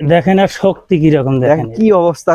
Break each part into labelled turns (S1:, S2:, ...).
S1: দেখেন আর শক্তি কিরকম, দেখেন
S2: কি অবস্থা।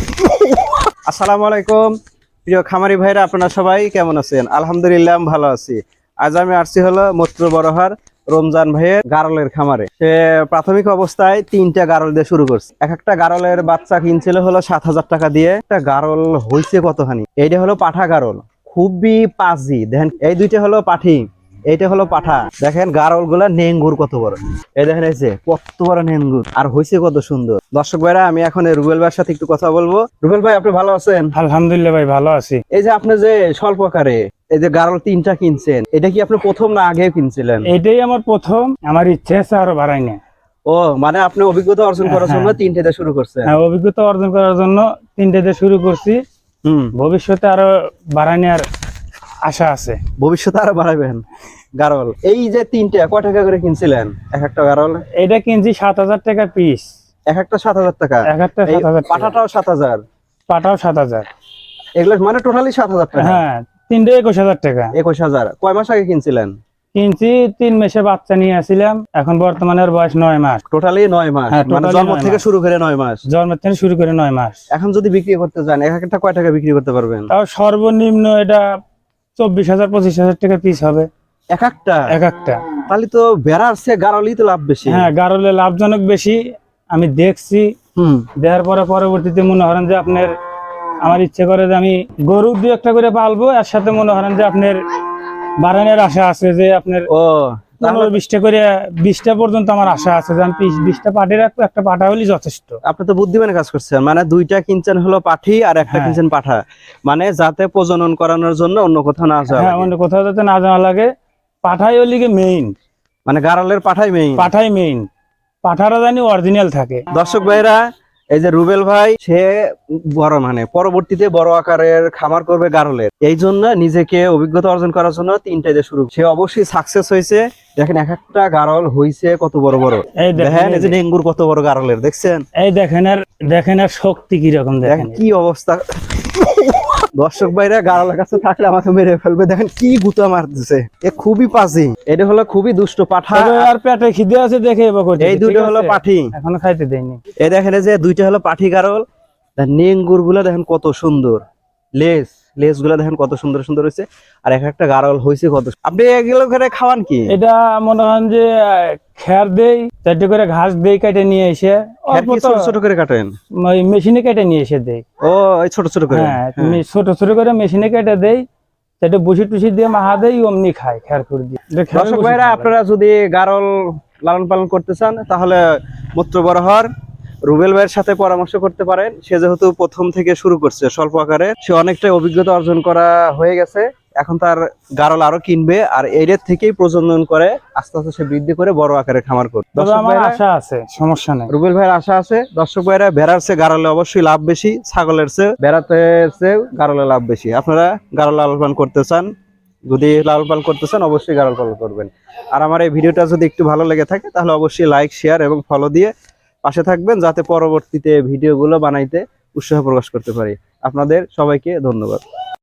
S2: আসসালামু আলাইকুম প্রিয় খামারি ভাইরা, আপনারা সবাই কেমন আছেন? আলহামদুলিল্লাহ আমি ভালো আছি। আজ আমি আসছি হলো মত্র বড়হার রমজান ভাইয়ের গারলের খামারে। সে প্রাথমিক অবস্থায় 3টা গারল দিয়ে শুরু করছে। এক একটা গারলের বাচ্চা কিনছিল হলো 7,000 টাকা দিয়ে। একটা গারল হয়েছে কতখানি। এইটা হলো পাঠা গারল, খুবই পাজি। দেখেন এই দুইটা হলো পাঠি, এইটা হলো পাঠা। দেখেন গারল গুলা নেঙ্গুর কত বড়, এই দেখেন এই কত বড় নেঙ্গুর, আর হয়েছে কত সুন্দর। দর্শক ভাইরা, আমি এখন রুবেল ভাইয়ের সাথে একটু কথা বলবো। রুবেল ভাই, আপনি ভালো আছেন?
S1: আলহামদুলিল্লাহ ভাই, ভালো আছি।
S2: এই যে আপনি যে স্বল্প আকারে এই যে গারল 3টা কিনছেন, এটা কি আপনি প্রথম না আগেও কিনছিলেন?
S1: এটাই আমার প্রথম, আমার ইচ্ছে আছে আরো বাড়াই না।
S2: ও মানে আপনি অভিজ্ঞতা অর্জন করার জন্য 3টা শুরু করছেন?
S1: হ্যাঁ, অভিজ্ঞতা অর্জন করার জন্য 3টাতে শুরু করছি। ভবিষ্যতে আরো বাড়াই নেওয়ার আশা আছে।
S2: ভবিষ্যতে আরো বাড়াবেন গারল। এই যে 3টা কয় টাকা করে কিনছিলেন এক একটা গারল?
S1: এটা কিনছি 7,000 টাকা পিস।
S2: এক একটা 7,000 টাকা?
S1: এক একটা 7,000 টাকা।
S2: পাঠাটাও 7,000?
S1: পাটাও 7,000।
S2: এগুলো মানে টোটালি 7,000 টাকা?
S1: হ্যাঁ, 3টে 21,000 টাকা।
S2: 21,000। কয় মাস আগে কিনছিলেন?
S1: কিনছি 3 মাসে বাচ্চা নিয়ে আসছিলাম, এখন বর্তমানে ওর বয়স 9 মাস।
S2: টোটালি 9 মাস?
S1: হ্যাঁ,
S2: মানে জন্ম থেকে শুরু করে 9 মাস?
S1: জন্মের থেকে শুরু করে 9 মাস।
S2: এখন যদি বিক্রি করতে যান, এক একটা কয় টাকা বিক্রি করতে পারবেন?
S1: তাও সর্বনিম্ন এটা 24,000 25,000 টাকা পিস হবে
S2: এক একটা?
S1: এক একটা।
S2: তাহলে তো বেড়ার চেয়ে গারলই তো লাভ বেশি।
S1: হ্যাঁ, গারলে লাভজনক বেশি। আমি দেখছি, দেওয়ার পরে পরবর্তীতে মনে করেন যে আপনার, আমার ইচ্ছে করে যে আমি গরু 2-1টা করে পালবো। এর সাথে মনে করেন যে আপনার বাড়ানোর আশা আছে, যে আপনার 15-20টা করে 20টা পর্যন্ত আমার আশা আছে, যে আমি 20টা পাঠি রাখবো। একটা পাঠা হলেই যথেষ্ট।
S2: আপনি তো বুদ্ধিমানের কাজ করছেন, মানে 2টা কিনছেন হলো পাঠি আর একটা কিনছেন পাঠা, মানে যাতে প্রজনন করানোর জন্য অন্য কোথাও না যাওয়া।
S1: হ্যাঁ, অন্য কোথাও যাতে না যাওয়া লাগে। পাঠাই হলি মেইন,
S2: মানে গারলের পাঠাই মেইন।
S1: পাঠাই মেইন, পাঠারা জানি অরিজিনাল থাকে।
S2: দর্শক ভাইরা, এই যে রুবেল ভাই, সে বড় মানে পরবর্তীতে বড় আকারের খামার করবে গারলের। এই জন্য নিজেকে অভিজ্ঞতা অর্জন করার জন্য 3টাতে শুরু। সে অবশ্যই সাকসেস হয়েছে। দেখেন এক একটা গারল হয়েছে কত বড় বড়। দেখেন এই যে ডেঙ্গুর কত বড় গারলের, দেখছেন? এই
S1: দেখেন আর শক্তি কিরকম, দেখেন
S2: কি অবস্থা। দর্শক ভাইরা, গারলের কাছে থাকলে আমাকে মেরে ফেলবে। দেখেন কি গুতা মারতেছে, এ খুবই পাজি। এটা হলো খুবই দুষ্ট পাঠা।
S1: আর পেটে খিদে আছে দেখে
S2: এই দুটো হলো পাঠি,
S1: এখনো খাইতে দেয়নি।
S2: এই দেখেন যে 2টা হলো পাঠি গারল। নেঙ্গুর গুলা দেখেন কত সুন্দর, লেজ গুলা দেখেন কত সুন্দর সুন্দর হয়েছে। আর এক একটা গারল হয়েছে কত। আপনি এগুলো করে খাওয়ান কি?
S1: এটা মনে হয় যে খের দেই, 4টে করে ঘাস দেই, কেটে নিয়ে এসে
S2: ছোট ছোট করে কাটেন?
S1: মেশিনে কেটে নিয়ে এসে দেই।
S2: ও ছোট ছোট করে?
S1: হ্যাঁ, ছোট ছোট করে মেশিনে কেটে দেই, সেটা বুসি টুসি দিয়ে মাহা দেই, অমনি খায় খের খুর দিয়ে।
S2: দর্শক ভাইরা, আপনারা যদি গারল লালন পালন করতে চান, তাহলে মত্র বড়হার রুবেল ভাইয়ের সাথে পরামর্শ করতে পারেন। সে যেহেতু প্রথম থেকে শুরু করছে স্বল্প আকারে, সে অনেকটাই অভিজ্ঞতা অর্জন করা হয়ে গেছে। এখন তার গারল আরো কিনবে, আর এর থেকেই প্রজনন করে আস্তে আস্তে সে বৃদ্ধি করে বড় আকারে খামার করবে।
S1: আমার আশা আছে, সমস্যা নেই।
S2: রুবেল ভাইয়ের আশা আছে। দর্শক ভাইরা, ভেড়ার চেয়ে গারলে অবশ্যই লাভ বেশি, ছাগলের চেয়ে ভেড়াতে চেয়ে গারলে লাভ বেশি। আপনারা গারল লালন পালন করতে চান, যদি লালন পালন করতে চান, অবশ্যই গারল পালন করবেন। আর আমার এই ভিডিওটা যদি একটু ভালো লেগে থাকে, তাহলে অবশ্যই লাইক, শেয়ার এবং ফলো দিয়ে পাশে থাকবেন, যাতে পরবর্তীতে ভিডিওগুলো বানাইতে উৎসাহ প্রকাশ করতে পারি। আপনাদের সবাইকে ধন্যবাদ।